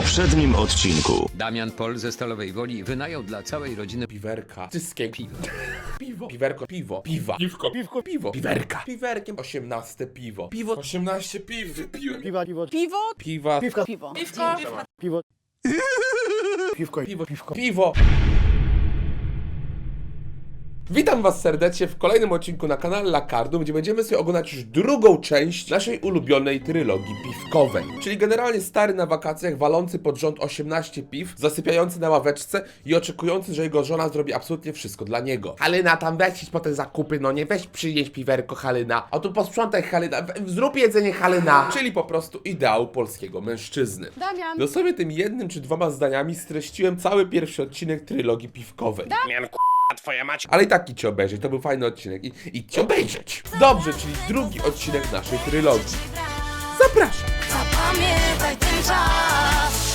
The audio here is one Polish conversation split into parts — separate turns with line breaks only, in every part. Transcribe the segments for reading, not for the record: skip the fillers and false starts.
poprzednim odcinku.
Damian Pol ze Stalowej Woli wynajął dla całej rodziny
Piwerka. Wszystkie piwo. Piwo. Piwerko. Piwo. Piwa. Piwko. Piwko. Piwo. Piwerka. Piwerkiem. 18 piwo. Piwo. 18 piw wypiłem.
Piwa, piwo,
Piwo?
Piwa.
piwko,
Piwo.
piwo, piwko,
Piwo.
piwko.
Piwo. Witam was serdecznie w kolejnym odcinku na kanale Lakardum, gdzie będziemy sobie oglądać już drugą część naszej ulubionej trylogii piwkowej. Czyli generalnie stary na wakacjach, walący pod rząd 18 piw, zasypiający na ławeczce i oczekujący, że jego żona zrobi absolutnie wszystko dla niego. Halyna, tam weź iść po te zakupy, no nie weź przynieść piwerko, Halyna. A tu posprzątaj, Halyna, zrób jedzenie, Halyna. Czyli po prostu ideał polskiego mężczyzny.
Damian.
Dosłownie tym jednym czy dwoma zdaniami streściłem cały pierwszy odcinek trylogii piwkowej. Ale i tak idźcie obejrzeć, to był fajny odcinek i idźcie obejrzeć. Dobrze, czyli drugi odcinek naszej trylogii. Zapraszam.
Zapamiętaj ten czas.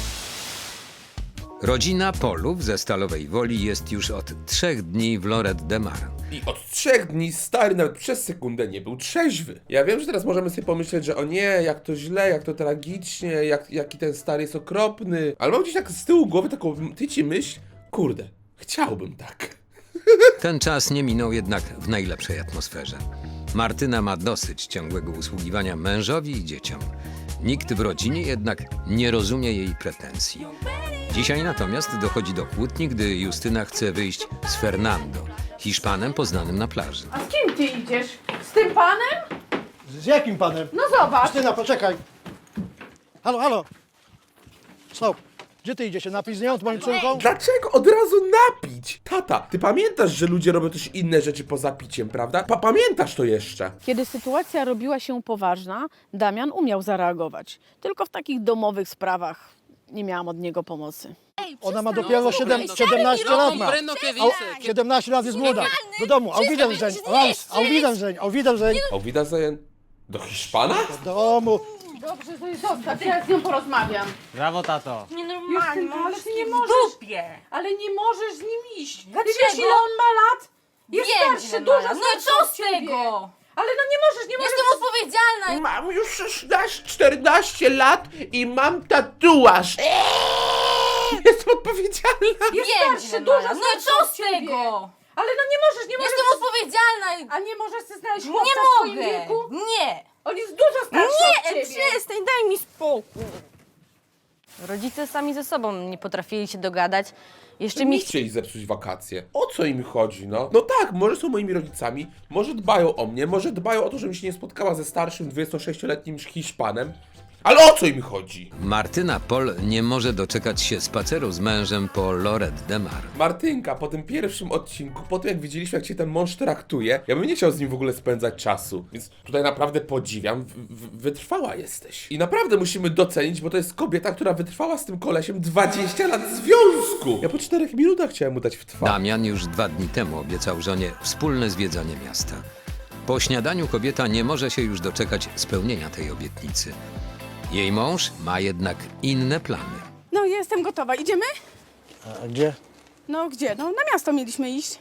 Rodzina Polów ze Stalowej Woli jest już od 3 dni w Lloret de Mar.
I od 3 dni stary nawet przez sekundę nie był trzeźwy. Ja wiem, że teraz możemy sobie pomyśleć, że o nie, jak to źle, jak to tragicznie, jaki ten stary jest okropny. Ale mam gdzieś tak z tyłu głowy taką tyci myśl, kurde, chciałbym tak.
Ten czas nie minął jednak w najlepszej atmosferze. Martyna ma dosyć ciągłego usługiwania mężowi i dzieciom. Nikt w rodzinie jednak nie rozumie jej pretensji. Dzisiaj natomiast dochodzi do kłótni, gdy Justyna chce wyjść z Fernando, Hiszpanem poznanym na plaży.
A z kim ty idziesz? Z tym panem?
Z jakim panem?
No zobacz.
Justyna, poczekaj. Halo, halo. Stop. Gdzie ty idziesz się napić z nią, z moją córką?
Dlaczego od razu napić? Tata, ty pamiętasz, że ludzie robią też inne rzeczy poza piciem, prawda? Pamiętasz to jeszcze?
Kiedy sytuacja robiła się poważna, Damian umiał zareagować. Tylko w takich domowych sprawach nie miałam od niego pomocy.
Ona ma dopiero 17 lat ma. 17 lat jest młoda. Do domu. Auf Wiedersehen. Auf Wiedersehen. Auf Wiedersehen.
Auf Wiedersehen. Do Hiszpana?
Do domu.
Dobrze, to jest zostaw, ja z nią porozmawiam.
Brawo, tato.
Justyna, ale ty nie
w
możesz.
dupie.
Ale nie możesz z nim iść.
Dlaczego?
Ty wiesz, ile on ma lat? Jest
Wiem,
starszy,
ile
dużo
ma lat. No i
starszy
co
od
z
ciebie.
tego?
Ale no nie możesz.
Jestem odpowiedzialna.
Mam już 14 lat i mam tatuaż. Jestem odpowiedzialna.
Jest
Wiem,
starszy,
ile ma
dużo
lat. No i
starszy
co
od
z
ciebie.
tego?
Ale no nie możesz.
Jestem odpowiedzialna.
A nie możesz sobie znaleźć chłopca
Nie
w swoim
mogę.
wieku?
Nie.
On jest dużo starszy od
Nie,
ciebie.
przestań, daj mi spokój.
Rodzice sami ze sobą nie potrafili się dogadać. Jeszcze mi
Nie chcieli zepsuć wakacje. O co im chodzi, no? No tak, może są moimi rodzicami, może dbają o mnie, może dbają o to, żebym się nie spotkała ze starszym 26-letnim Hiszpanem. Ale o co im chodzi?
Martyna Pol nie może doczekać się spaceru z mężem po Lloret de Mar.
Martynka, po tym pierwszym odcinku, po tym jak widzieliśmy, jak się ten mąż traktuje, ja bym nie chciał z nim w ogóle spędzać czasu. Więc tutaj naprawdę podziwiam, wytrwała jesteś. I naprawdę musimy docenić, bo to jest kobieta, która wytrwała z tym kolesiem 20 lat związku. Ja po 4 minutach chciałem mu dać w twarz.
Damian już 2 dni temu obiecał żonie wspólne zwiedzanie miasta. Po śniadaniu kobieta nie może się już doczekać spełnienia tej obietnicy. Jej mąż ma jednak inne plany.
No jestem gotowa. Idziemy?
A gdzie?
No gdzie? No na miasto mieliśmy iść.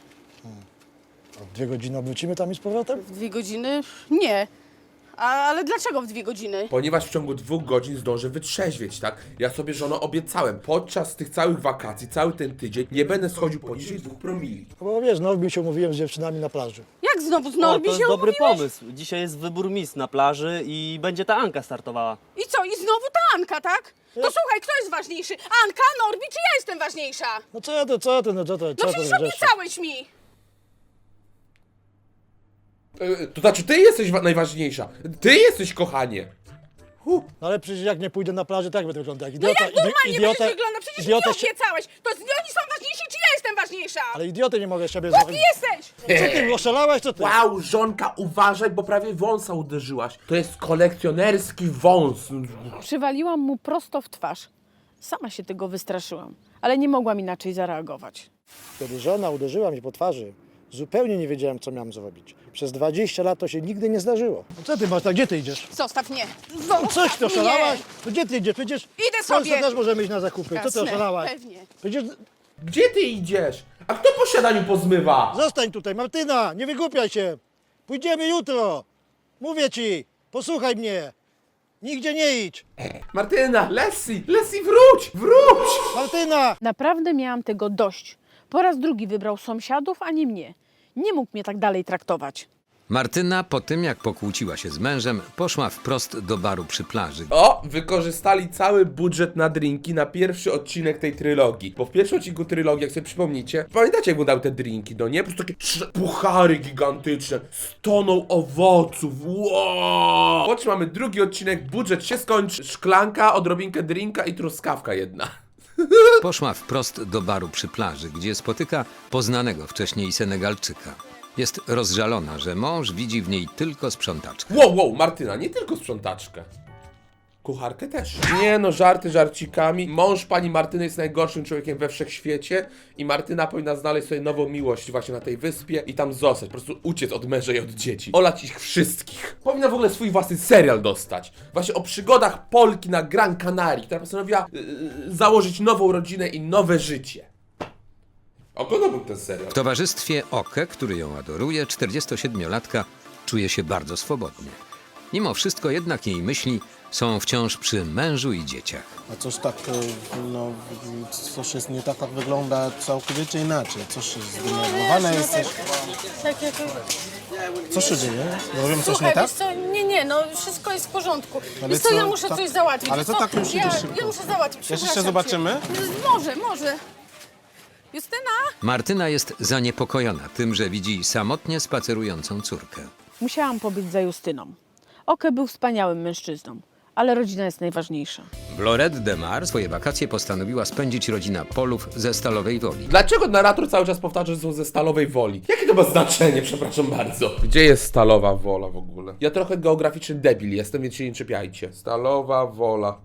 O 2 godziny wrócimy tam i z powrotem?
W 2 godziny? Nie. Ale dlaczego w 2 godziny?
Ponieważ w ciągu 2 godzin zdążę wytrzeźwieć, tak? Ja sobie, żono, obiecałem. Podczas tych całych wakacji, cały ten tydzień, nie będę schodził poniżej 2 promili.
No bo wiesz, Norbi się umówiłem z dziewczynami na plaży.
Jak znowu z
O,
Norbi
to jest
się
dobry
umówiłeś?
pomysł. Dzisiaj jest wybór Miss na plaży i będzie ta Anka startowała.
I co? I znowu ta Anka, tak? To słuchaj, kto jest ważniejszy? Anka, Norbi czy ja jestem ważniejsza?
No co ty, co ty, no co ty,
No
co ty,
przecież
żeś?
obiecałeś mi.
To znaczy, ty jesteś najważniejsza. Ty jesteś, kochanie.
No ale przecież jak nie pójdę na plażę, tak będę wyglądał jak
No
idiota.
jak normalnie będziesz wyglądać? Przecież mi
idiota
obiecałeś. To oni są ważniejsi czy ja jestem ważniejsza?
Ale idioty nie mogę z siebie
Głupi jesteś!
Co ty, oszalałeś, co ty?
Wow, żonka, uważaj, bo prawie wąsa uderzyłaś. To jest kolekcjonerski wąs.
Przywaliłam mu prosto w twarz. Sama się tego wystraszyłam, ale nie mogłam inaczej zareagować.
Kiedy żona uderzyła mnie po twarzy, zupełnie nie wiedziałem, co miałem zrobić. Przez 20 lat to się nigdy nie zdarzyło. No co ty masz, tak gdzie ty idziesz?
Zostaw mnie!
No coś ty oszalałaś? No gdzie ty idziesz? Przecież
Idę
w Polsce
sobie.
też możemy iść na zakupy. Co ty
Jasne,
oszalałaś?
pewnie.
Przecież
Gdzie ty idziesz? A kto po śniadaniu pozmywa?
zostań tutaj, Martyna, nie wygłupiaj się. Pójdziemy jutro. Mówię ci, posłuchaj mnie. Nigdzie nie idź.
Martyna, Leslie, wróć! Wróć!
Martyna!
Naprawdę miałam tego dość. Po raz drugi wybrał sąsiadów, a nie mnie. Nie mógł mnie tak dalej traktować.
Martyna po tym, jak pokłóciła się z mężem, poszła wprost do baru przy plaży.
O, wykorzystali cały budżet na drinki na pierwszy odcinek tej trylogii. Bo w pierwszym odcinku trylogii, jak sobie przypomnicie, pamiętacie jak wyglądały te drinki, no nie? Po prostu takie puchary gigantyczne z toną owoców. Wow! Po czym mamy drugi odcinek, budżet się skończy, szklanka, odrobinkę drinka i truskawka jedna.
Poszła wprost do baru przy plaży, gdzie spotyka poznanego wcześniej Senegalczyka. Jest rozżalona, że mąż widzi w niej tylko sprzątaczkę.
Wow, Martyna, nie tylko sprzątaczkę. Kucharkę też. Nie no, żarty żarcikami. Mąż pani Martyny jest najgorszym człowiekiem we wszechświecie i Martyna powinna znaleźć sobie nową miłość właśnie na tej wyspie i tam zostać, po prostu uciec od męża i od dzieci. Olać ich wszystkich. Powinna w ogóle swój własny serial dostać. Właśnie o przygodach Polki na Gran Canaria, która postanowiła założyć nową rodzinę i nowe życie. Oglądałbym ten serial.
W towarzystwie Oke, który ją adoruje, 47-latka czuje się bardzo swobodnie. Mimo wszystko jednak jej myśli są wciąż przy mężu i dzieciach.
A coś tak, no, coś jest nie tak, jak wygląda całkowicie inaczej. Coś jest zdenerwowane jesteś.
Tak jak...
Co się dzieje? Robią coś
Słuchaj,
nie tak?
wiesz co, nie, no wszystko jest w porządku.
Ale
Wiesz co,
co,
ja muszę
tak-
coś załatwić.
ale
Wiesz
co
co?
tak już idziesz szybko?
Ja muszę załatwić,
Jeszcze się
przepraszam
zobaczymy?
cię. Może. Justyna?
Martyna jest zaniepokojona tym, że widzi samotnie spacerującą córkę.
Musiałam pobyć za Justyną. Oke był wspaniałym mężczyzną, ale rodzina jest najważniejsza.
W Lloret de Mar swoje wakacje postanowiła spędzić rodzina Polów ze Stalowej Woli.
Dlaczego narrator cały czas powtarza, że są ze Stalowej Woli? Jakie to ma znaczenie, przepraszam bardzo? Gdzie jest Stalowa Wola w ogóle? Ja trochę geograficzny debil jestem, więc się nie czepiajcie. Stalowa Wola.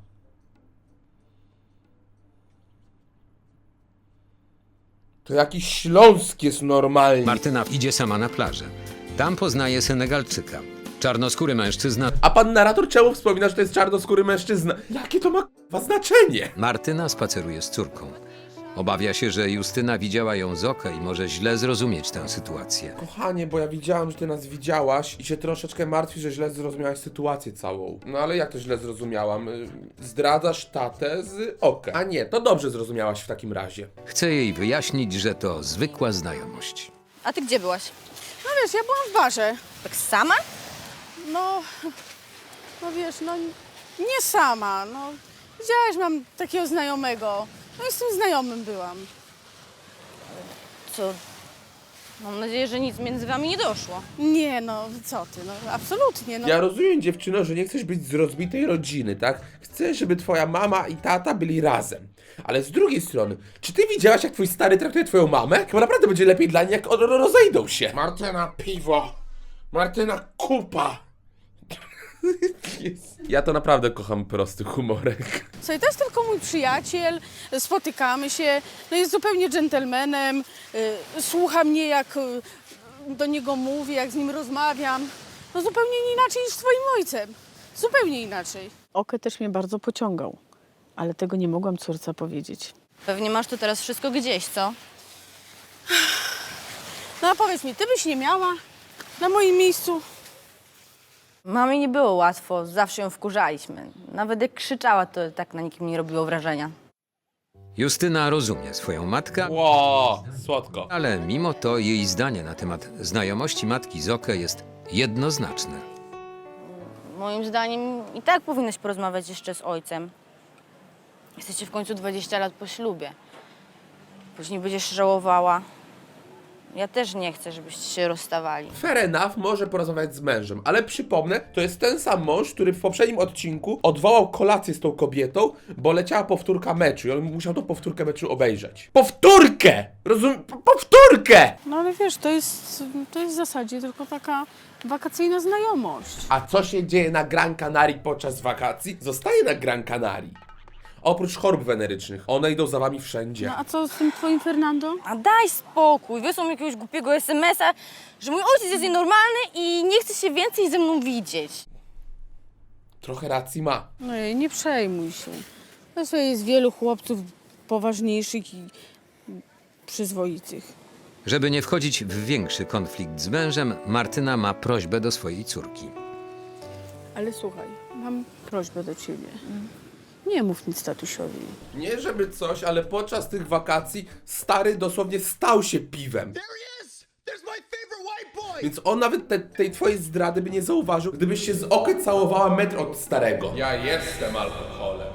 To jakiś Śląsk jest normalnie.
Martyna idzie sama na plażę. Tam poznaje Senegalczyka. Czarnoskóry mężczyzna.
A pan narrator czemu wspomina, że to jest czarnoskóry mężczyzna? Jakie to ma k***wa znaczenie?
Martyna spaceruje z córką. Obawia się, że Justyna widziała ją z oka i może źle zrozumieć tę sytuację.
Kochanie, bo ja widziałam, że ty nas widziałaś i się troszeczkę martwi, że źle zrozumiałaś sytuację całą. No ale jak to źle zrozumiałam? Zdradzasz tatę z oka. A nie, to dobrze zrozumiałaś w takim razie.
Chce jej wyjaśnić, że to zwykła znajomość.
A ty gdzie byłaś?
No wiesz, ja byłam w barze.
Tak sama?
No wiesz, no nie sama, no. Widziałaś, mam takiego znajomego. No i z tym znajomym byłam.
Co? Mam nadzieję, że nic między wami nie doszło.
Nie, no co ty, no absolutnie, no.
Ja rozumiem, dziewczyno, że nie chcesz być z rozbitej rodziny, tak? Chcesz, żeby twoja mama i tata byli razem. Ale z drugiej strony, czy ty widziałaś, jak twój stary traktuje twoją mamę? Chyba naprawdę będzie lepiej dla niej, jak rozejdą się. Martyna, piwo. Martyna, kupa. Ja to naprawdę kocham prosty humorek.
Słuchaj, to jest tylko mój przyjaciel, spotykamy się, no jest zupełnie dżentelmenem, słucha mnie jak do niego mówię, jak z nim rozmawiam. No zupełnie inaczej niż z twoim ojcem. Zupełnie inaczej.
Oke też mnie bardzo pociągał, ale tego nie mogłam córce powiedzieć.
Pewnie masz to teraz wszystko gdzieś, co?
No a powiedz mi, ty byś nie miała na moim miejscu?
Mamie nie było łatwo, zawsze ją wkurzaliśmy. Nawet jak krzyczała, to tak na nikim nie robiło wrażenia.
Justyna rozumie swoją matkę,
Ło, słodko.
ale mimo to jej zdanie na temat znajomości matki z Oke jest jednoznaczne.
Moim zdaniem i tak powinnaś porozmawiać jeszcze z ojcem. Jesteście w końcu 20 lat po ślubie. Później będziesz żałowała. Ja też nie chcę, żebyście się rozstawali.
Fair enough, może porozmawiać z mężem, ale przypomnę, to jest ten sam mąż, który w poprzednim odcinku odwołał kolację z tą kobietą, bo leciała powtórka meczu i on musiał tą powtórkę meczu obejrzeć. Powtórkę! Powtórkę!
No ale wiesz, to jest w zasadzie tylko taka wakacyjna znajomość.
A co się dzieje na Gran Canaria podczas wakacji? Zostaje na Gran Canaria. Oprócz chorób wenerycznych, one idą za wami wszędzie.
No a co z tym twoim Fernando?
A daj spokój, wysłał mi jakiegoś głupiego SMS-a, że mój ojciec jest nienormalny i nie chce się więcej ze mną widzieć.
Trochę racji ma.
No nie przejmuj się. No sobie jest wielu chłopców poważniejszych i przyzwoitych.
Żeby nie wchodzić w większy konflikt z mężem, Martyna ma prośbę do swojej córki.
Ale słuchaj, mam prośbę do ciebie. Nie mów nic tatusiowi.
Nie żeby coś, ale podczas tych wakacji stary dosłownie stał się piwem. Więc on nawet tej twojej zdrady by nie zauważył, gdybyś się z okiem całowała metr od starego. Ja jestem alkoholem.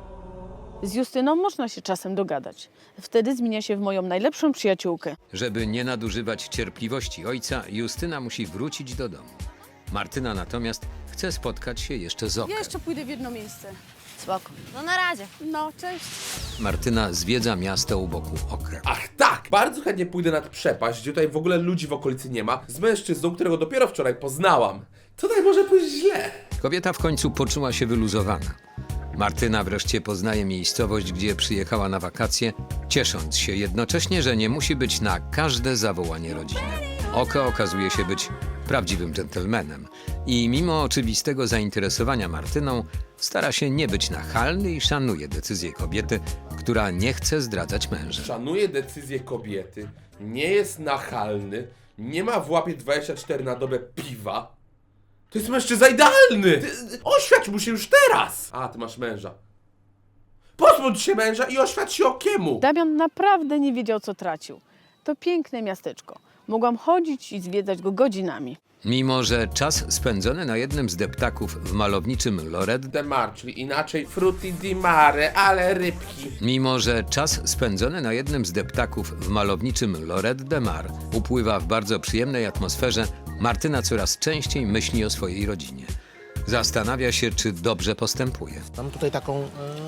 Z Justyną można się czasem dogadać. Wtedy zmienia się w moją najlepszą przyjaciółkę.
Żeby nie nadużywać cierpliwości ojca, Justyna musi wrócić do domu. Martyna natomiast chce spotkać się jeszcze z
Ja
Okiem.
jeszcze pójdę w jedno miejsce.
Spoko. No na razie.
No, cześć.
Martyna zwiedza miasto u boku Okry.
Ach tak! Bardzo chętnie pójdę nad przepaść, gdzie tutaj w ogóle ludzi w okolicy nie ma, z mężczyzną, którego dopiero wczoraj poznałam. Tutaj może pójść źle.
Kobieta w końcu poczuła się wyluzowana. Martyna wreszcie poznaje miejscowość, gdzie przyjechała na wakacje, ciesząc się jednocześnie, że nie musi być na każde zawołanie rodziny. Oko okazuje się być prawdziwym dżentelmenem i mimo oczywistego zainteresowania Martyną stara się nie być nachalny i szanuje decyzję kobiety, która nie chce zdradzać męża.
Szanuje decyzję kobiety, nie jest nachalny, nie ma w łapie 24 na dobę piwa. To jest mężczyzna idealny! Oświadcz mu się już teraz! A, ty masz męża. Pozbądź się męża i oświadcz się Okiemu!
Damian naprawdę nie wiedział, co tracił. To piękne miasteczko. Mogłam chodzić i zwiedzać go godzinami.
Mimo że czas spędzony na jednym z deptaków w malowniczym Lorette
De Mar, czyli inaczej frutti di mare, ale rybki.
Mimo że czas spędzony na jednym z deptaków w malowniczym Lorette de Mar upływa w bardzo przyjemnej atmosferze, Martyna coraz częściej myśli o swojej rodzinie. Zastanawia się, czy dobrze postępuje.
Mam tutaj taką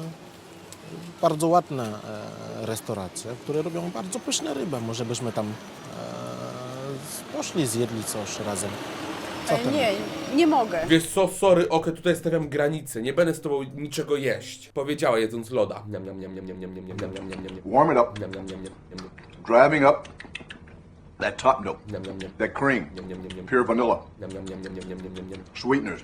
bardzo ładną restaurację, które robią bardzo pyszne ryby. Może byśmy tam poszli, zjedli coś razem. Co tam?
Nie mogę.
Wiesz co, sorry, Oke, tutaj stawiam granicę. Nie będę z tobą niczego jeść. Powiedziała jedząc loda. Niam, niam, niam, niam, niam, niam, niam, niam, niam, niam, niam.
Warm it up,
Niam, niam, niam, niam, niam,
driving up that top note,
niam, niam, niam.
that cream,
Niam, niam, niam, niam.
pure vanilla,
Niam, niam, niam, niam, niam, niam, niam, niam.
sweeteners.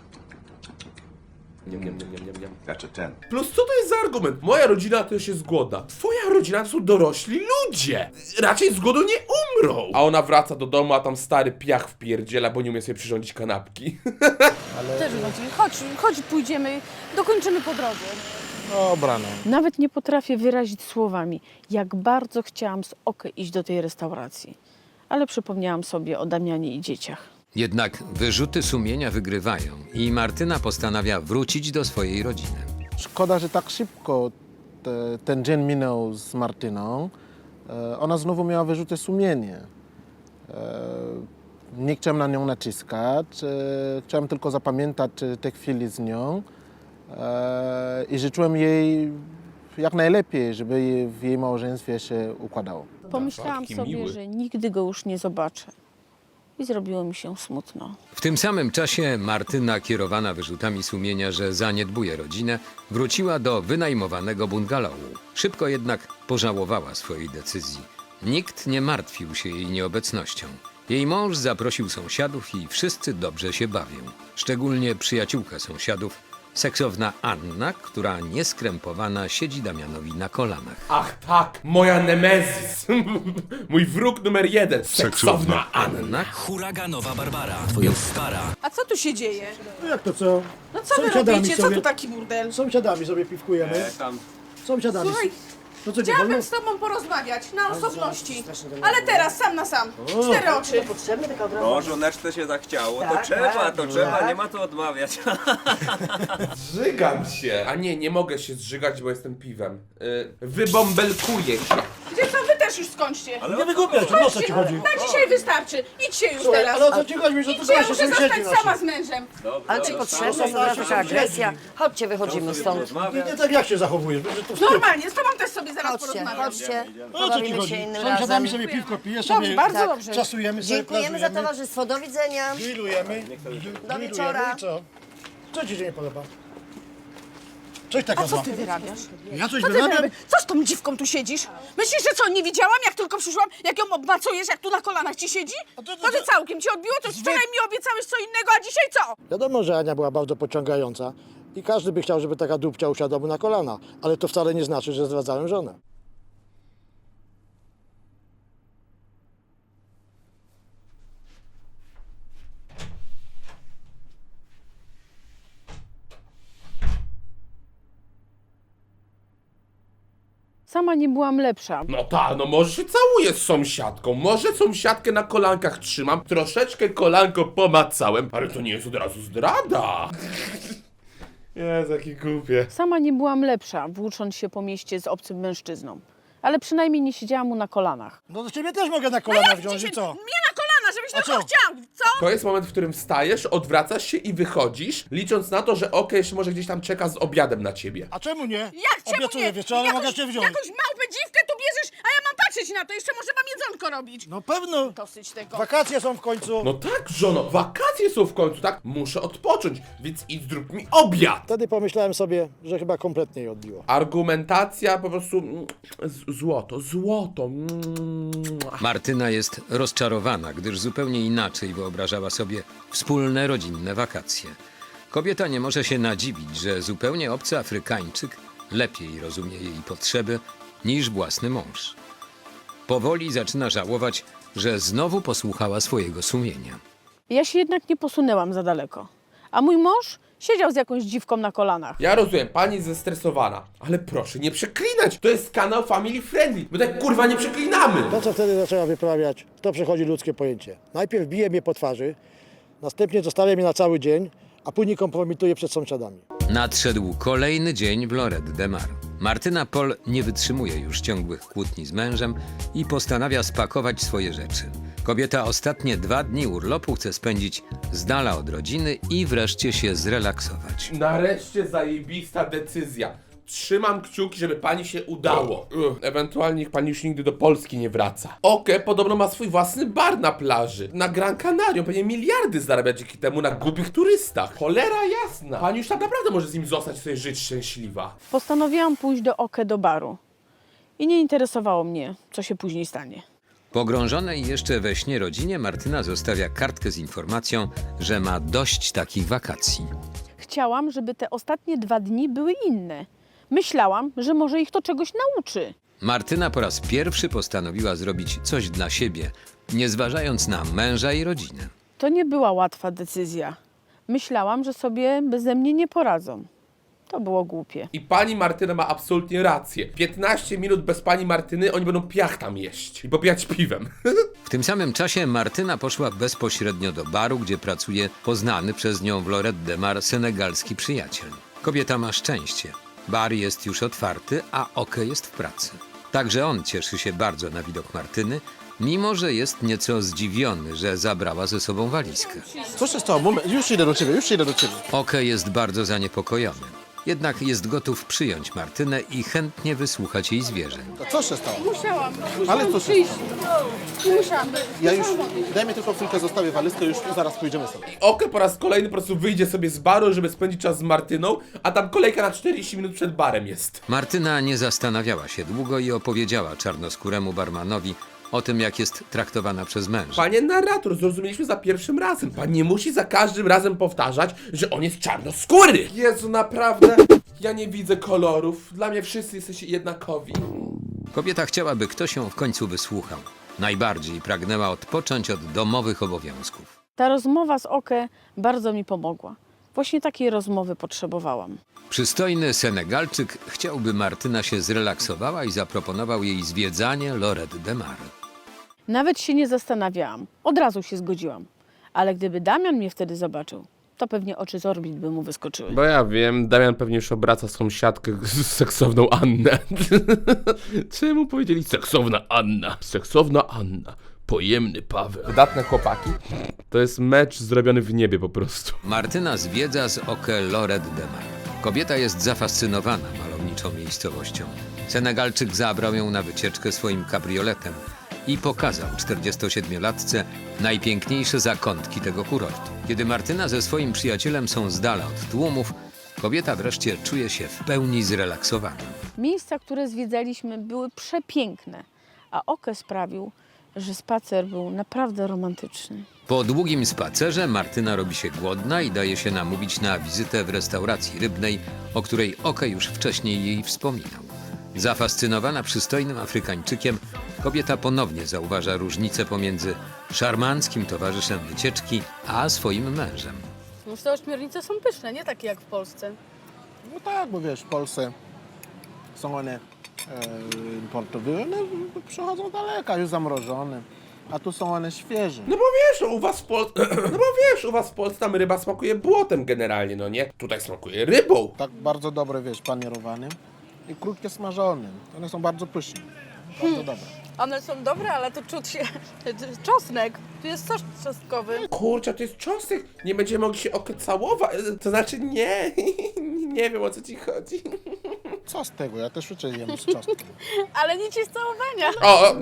Niam, niam, niam, niam, niam, niam.
That's a 10.
Plus co to jest za argument? Moja rodzina też jest głodna. Twoja rodzina to są dorośli ludzie. Raczej z głodu nie umrą. A ona wraca do domu, a tam stary piach wpierdziela, bo nie umie sobie przyrządzić kanapki.
Też chodzi. Chodź, pójdziemy, dokończymy po drodze.
Dobra, no.
Nawet nie potrafię wyrazić słowami, jak bardzo chciałam z Okę iść do tej restauracji. Ale przypomniałam sobie o Damianie i dzieciach.
Jednak wyrzuty sumienia wygrywają i Martyna postanawia wrócić do swojej rodziny.
Szkoda, że tak szybko ten dzień minął z Martyną. Ona znowu miała wyrzuty sumienia. Nie chciałem na nią naciskać. Chciałem tylko zapamiętać te chwile z nią. I życzyłem jej jak najlepiej, żeby w jej małżeństwie się układało.
Pomyślałam
taki
sobie,
miły.
że nigdy go już nie zobaczę. I zrobiło mi się smutno.
W tym samym czasie Martyna, kierowana wyrzutami sumienia, że zaniedbuje rodzinę, wróciła do wynajmowanego bungalowu. Szybko jednak pożałowała swojej decyzji. Nikt nie martwił się jej nieobecnością. Jej mąż zaprosił sąsiadów i wszyscy dobrze się bawią. Szczególnie przyjaciółka sąsiadów, seksowna Anna, która nieskrępowana siedzi Damianowi na kolanach.
Ach tak, moja nemezis. Mój wróg numer 1. Seksowna Anna.
Anna,
Huraganowa Barbara, twoja stara.
A co tu się dzieje?
No jak to co?
No co wy
Sąsiadami
robicie? Co
sobie-
tu taki burdel?
Sąsiadami sobie piwkujemy. Sąsiadami.
Słuchaj,
To co, nie
chciałabym
wolno?
z tobą porozmawiać na osobności. Ale teraz, sam na sam. 4 oczy.
No, żoneczce się zachciało, to trzeba, nie ma co odmawiać.
Zżygam się. A nie mogę się zżygać, bo jestem piwem. Wybąbelkuję się.
Gdzie co, wy też już skończcie.
Nie wygłupiaj się, no o co ci chodzi?
Na dzisiaj wystarczy. Idźcie już
Słuchaj,
teraz.
ale o co ci chodzi, że tu
Idźcie, ja
goście
muszę
sąsiedzi
zostać sama
nasi?
z mężem.
Ale
Czy potrzebna jest taka agresja? Chodźcie, wychodzimy stąd.
Nie tak jak się zachowujesz, że to wstyd.
Normalnie, z tobą też sobie zaraz
Chodźcie,
porozmawiam.
chodźcie.
O co ci
Pobawimy
chodzi?
się innym
Sąsiadami
razem.
sobie piwko pijesz,
Dobrze,
sobie
bardzo
Tak.
dobrze.
czasujemy sobie,
Dziękujemy za towarzystwo. Do widzenia.
grillujemy.
Do wieczora.
I co? Co ci się nie podoba? Coś takiego
Co
ma.
ty wyrabiasz?
Ja coś
Co ty
wyrabiam?
wyrabiasz? Co z tą dziwką tu siedzisz? Myślisz, że co, nie widziałam, jak tylko przyszłam, jak ją obmacujesz, jak tu na kolanach ci siedzi?
A to-
To ty całkiem ci odbiło? To wczoraj mi obiecałeś co innego, a dzisiaj co?
Wiadomo, że Ania była bardzo pociągająca i każdy by chciał, żeby taka dupcia usiadła mu na kolana, ale to wcale nie znaczy, że zdradzałem żonę.
Sama nie byłam lepsza.
No tak, no może się całuję z sąsiadką, może sąsiadkę na kolankach trzymam, troszeczkę kolanko pomacałem, ale to nie jest od razu zdrada. Jezu, jakie głupie.
Sama nie byłam lepsza, włócząc się po mieście z obcym mężczyzną. Ale przynajmniej nie siedziałam mu na kolanach.
No to ciebie też mogę na kolana wziąć, i co?
Mnie na kolana, żebyś
A
tylko
co?
chciał, co?
To jest moment, w którym wstajesz, odwracasz się i wychodzisz, licząc na to, że Oke jeszcze może gdzieś tam czeka z obiadem na ciebie.
A czemu nie?
Jak czemu
Obiecuję,
nie?
wiesz co, ale mogę cię wziąć.
Jakąś małpę dziwkę tu bierzesz, a ja mam patrzeć na to, jeszcze może mam jedzonko robić.
No pewno.
Dosyć tego.
Wakacje są w końcu.
No tak, żono, wakacje są w końcu, tak? Muszę odpocząć, więc idź zrób mi obiad!
Wtedy pomyślałem sobie, że chyba kompletnie jej odbiło.
Argumentacja po prostu złoto.
Martyna jest rozczarowana, gdyż zupełnie inaczej wyobrażała sobie wspólne rodzinne wakacje. Kobieta nie może się nadziwić, że zupełnie obcy Afrykańczyk lepiej rozumie jej potrzeby niż własny mąż. Powoli zaczyna żałować, że znowu posłuchała swojego sumienia.
Ja się jednak nie posunęłam za daleko. A mój mąż siedział z jakąś dziwką na kolanach.
Ja rozumiem, pani jest zestresowana, ale proszę nie przeklinać. To jest kanał family friendly. My tak kurwa nie przeklinamy.
To, co wtedy zaczęła wyprawiać, to przechodzi ludzkie pojęcie. Najpierw bije mnie po twarzy, następnie zostawia mnie na cały dzień, a później kompromituje przed sąsiadami.
Nadszedł kolejny dzień w Lorette de Mar. Martyna Pol nie wytrzymuje już ciągłych kłótni z mężem i postanawia spakować swoje rzeczy. Kobieta ostatnie 2 dni urlopu chce spędzić z dala od rodziny i wreszcie się zrelaksować.
Nareszcie zajebista decyzja. Trzymam kciuki, żeby pani się udało. Ewentualnie niech pani już nigdy do Polski nie wraca. Oke podobno ma swój własny bar na plaży. Na Gran Canaria. Pewnie miliardy zarabia dzięki temu na głupich turystach. Cholera jasna. Pani już tak naprawdę może z nim zostać i sobie żyć szczęśliwa.
Postanowiłam pójść do Oke do baru. I nie interesowało mnie, co się później stanie.
Pogrążonej jeszcze we śnie rodzinie Martyna zostawia kartkę z informacją, że ma dość takich wakacji.
Chciałam, żeby te ostatnie 2 dni były inne. Myślałam, że może ich to czegoś nauczy.
Martyna po raz pierwszy postanowiła zrobić coś dla siebie, nie zważając na męża i rodzinę.
To nie była łatwa decyzja. Myślałam, że sobie beze mnie nie poradzą. To było głupie.
I pani Martyna ma absolutnie rację. 15 minut bez pani Martyny oni będą piach tam jeść i popijać piwem.
W tym samym czasie Martyna poszła bezpośrednio do baru, gdzie pracuje poznany przez nią w Lorette de Mar senegalski przyjaciel. Kobieta ma szczęście. Bar jest już otwarty, a Oke jest w pracy. Także on cieszy się bardzo na widok Martyny, mimo że jest nieco zdziwiony, że zabrała ze sobą walizkę.
Co się stało? Moment, już idę do ciebie.
Oke jest bardzo zaniepokojony. Jednak jest gotów przyjąć Martynę i chętnie wysłuchać jej zwierzeń.
Co się stało?
Musiałam
Ale co się
przyjść. Musiałam.
Ja już, daj mi tylko chwilkę, zostawię walizkę, już zaraz pójdziemy sobie.
Oke po raz kolejny po prostu wyjdzie sobie z baru, żeby spędzić czas z Martyną, a tam kolejka na 40 minut przed barem jest.
Martyna nie zastanawiała się długo i opowiedziała czarnoskóremu barmanowi o tym, jak jest traktowana przez męża.
Panie narrator, zrozumieliśmy za pierwszym razem. Pan nie musi za każdym razem powtarzać, że on jest czarnoskóry. Jezu, naprawdę? Ja nie widzę kolorów. Dla mnie wszyscy jesteście jednakowi.
Kobieta chciała, by ktoś ją w końcu wysłuchał. Najbardziej pragnęła odpocząć od domowych obowiązków.
Ta rozmowa z Oke bardzo mi pomogła. Właśnie takiej rozmowy potrzebowałam.
Przystojny Senegalczyk chciał, by Martyna się zrelaksowała i zaproponował jej zwiedzanie Lorette de Mar.
Nawet się nie zastanawiałam. Od razu się zgodziłam. Ale gdyby Damian mnie wtedy zobaczył, to pewnie oczy z orbit by mu wyskoczyły.
Bo ja wiem, Damian pewnie już obraca sąsiadkę z seksowną Annę. Czemu powiedzieli seksowna Anna? Seksowna Anna. Pojemny Paweł. Wydatne chłopaki. To jest mecz zrobiony w niebie po prostu.
Martyna zwiedza z Oke Lorette de Mar. Kobieta jest zafascynowana malowniczą miejscowością. Senegalczyk zabrał ją na wycieczkę swoim kabrioletem i pokazał 47-latce najpiękniejsze zakątki tego kurortu. Kiedy Martyna ze swoim przyjacielem są z dala od tłumów, kobieta wreszcie czuje się w pełni zrelaksowana.
Miejsca, które zwiedzaliśmy, były przepiękne, a Oke sprawił, że spacer był naprawdę romantyczny.
Po długim spacerze Martyna robi się głodna i daje się namówić na wizytę w restauracji rybnej, o której Oke już wcześniej jej wspominał. Zafascynowana przystojnym Afrykańczykiem, kobieta ponownie zauważa różnicę pomiędzy szarmanckim towarzyszem wycieczki a swoim mężem.
Już te ośmiornice są pyszne, nie takie jak w Polsce.
No tak, bo wiesz, w Polsce są one importowe, one przychodzą daleka, już zamrożone. A tu są one świeże.
No bo wiesz, u was w Polsce... No bo wiesz, u was w Polsce tam ryba smakuje błotem generalnie, no nie? Tutaj smakuje rybą.
Tak bardzo dobre, wiesz, panierowane i krótkie smażone. One są bardzo pyszne. Bardzo dobre.
One są dobre, ale tu czuć się czosnek. Tu jest sos czosnkowy.
Kurczę, to jest czosnek. Nie będziemy mogli się całować. To znaczy nie. Nie wiem, o co ci chodzi.
Co z tego? Ja też uczę jem z czosnkiem.
Ale nic jest całowania.
O!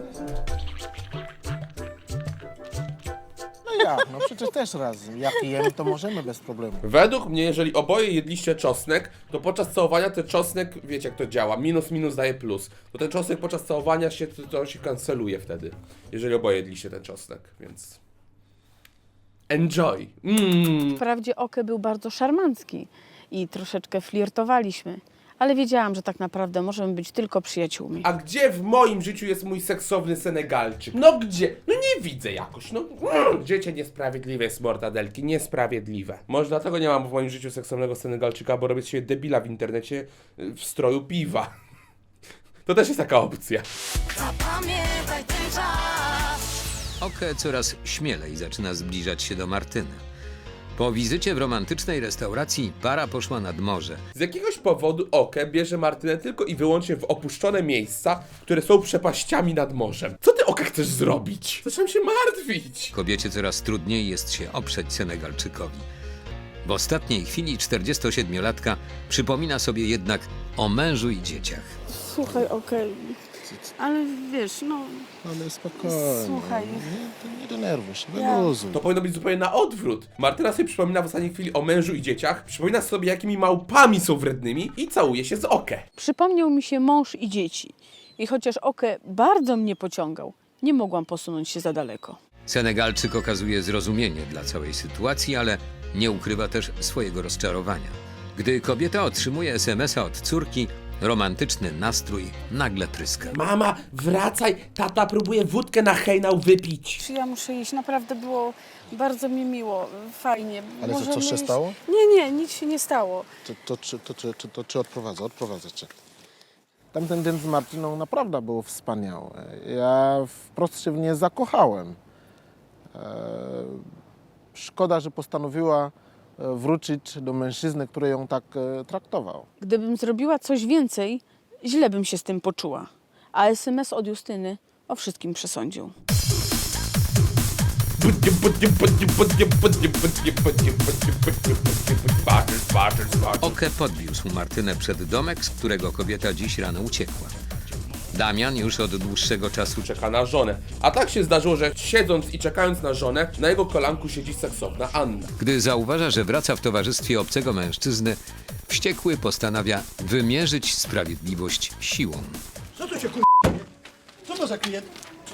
No jak? No przecież też razem. Jak jemy, to możemy bez problemu.
Według mnie, jeżeli oboje jedliście czosnek, to podczas całowania ten czosnek, wiecie jak to działa, minus daje plus. To ten czosnek podczas całowania się, to się kanceluje wtedy, jeżeli oboje jedliście ten czosnek, więc... Enjoy!
Wprawdzie Oke był bardzo szarmancki i troszeczkę flirtowaliśmy, ale wiedziałam, że tak naprawdę możemy być tylko przyjaciółmi.
A gdzie w moim życiu jest mój seksowny Senegalczyk? No gdzie? No nie widzę jakoś, no. Życie niesprawiedliwe jest, mortadelki, niesprawiedliwe. Może dlatego nie mam w moim życiu seksownego Senegalczyka, bo robię z siebie debila w internecie w stroju piwa. To też jest taka opcja.
Zapamiętaj ten czas.
Oke coraz śmielej zaczyna zbliżać się do Martyny. Po wizycie w romantycznej restauracji para poszła nad morze.
Z jakiegoś powodu Oke bierze Martynę tylko i wyłącznie w opuszczone miejsca, które są przepaściami nad morzem. Co ty, Oke, chcesz zrobić? Zaczynam się martwić.
Kobiecie coraz trudniej jest się oprzeć Senegalczykowi. W ostatniej chwili 47-latka przypomina sobie jednak o mężu i dzieciach.
Słuchaj, okej. Ale wiesz, no...
Ale spokojnie.
Słuchaj.
Nie denerwuj się, wyluzuj.
To powinno być zupełnie na odwrót. Martyna sobie przypomina w ostatniej chwili o mężu i dzieciach, przypomina sobie, jakimi małpami są wrednymi i całuje się z Oke.
Przypomniał mi się mąż i dzieci. I chociaż Oke bardzo mnie pociągał, nie mogłam posunąć się za daleko.
Senegalczyk okazuje zrozumienie dla całej sytuacji, ale nie ukrywa też swojego rozczarowania. Gdy kobieta otrzymuje SMS-a od córki, romantyczny nastrój nagle pryska.
Mama, wracaj, tata próbuje wódkę na hejnał wypić.
Czy ja muszę iść? Naprawdę było bardzo mi miło, fajnie.
Ale to
Możemy
coś się
iść?
stało?
Nie, nic się nie stało.
Czy odprowadzę cię. Tamten dzień z Martyną naprawdę był wspaniały. Ja wprost się w nie zakochałem. Szkoda, że postanowiła wrócić do mężczyzny, który ją tak traktował.
Gdybym zrobiła coś więcej, źle bym się z tym poczuła. A SMS od Justyny o wszystkim przesądził.
Oke podwiózł Martynę przed domek, z którego kobieta dziś rano uciekła. Damian już od dłuższego czasu
Czeka na żonę. A tak się zdarzyło, że siedząc i czekając na żonę, na jego kolanku siedzi seksowna Anna.
Gdy zauważa, że wraca w towarzystwie obcego mężczyzny, wściekły postanawia wymierzyć sprawiedliwość siłą.
Co to się Co to za klient?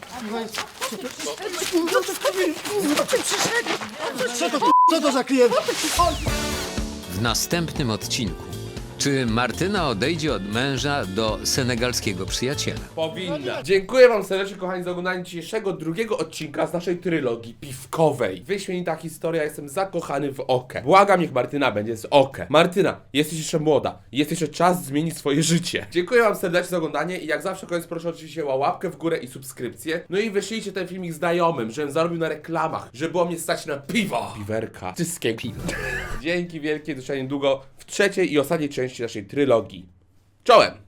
Co to za klient?
W następnym odcinku. Czy Martyna odejdzie od męża do senegalskiego przyjaciela?
Powinna. Dziękuję wam serdecznie, kochani, za oglądanie dzisiejszego drugiego odcinka z naszej trylogii piwkowej. Wyśmienita historia, jestem zakochany w Oke. Błagam, niech Martyna będzie z Oke. Martyna, jesteś jeszcze młoda. Jest jeszcze czas zmienić swoje życie. Dziękuję wam serdecznie za oglądanie i jak zawsze koniec proszę oczywiście o łapkę w górę i subskrypcję. No i wyślijcie ten filmik znajomym, żebym zarobił na reklamach, żeby było mnie stać na piwo. Piwerka. Wszystkie piwo. Dzięki wielkie, do niedługo w trzeciej i ostatniej części naszej trylogii. Czołem!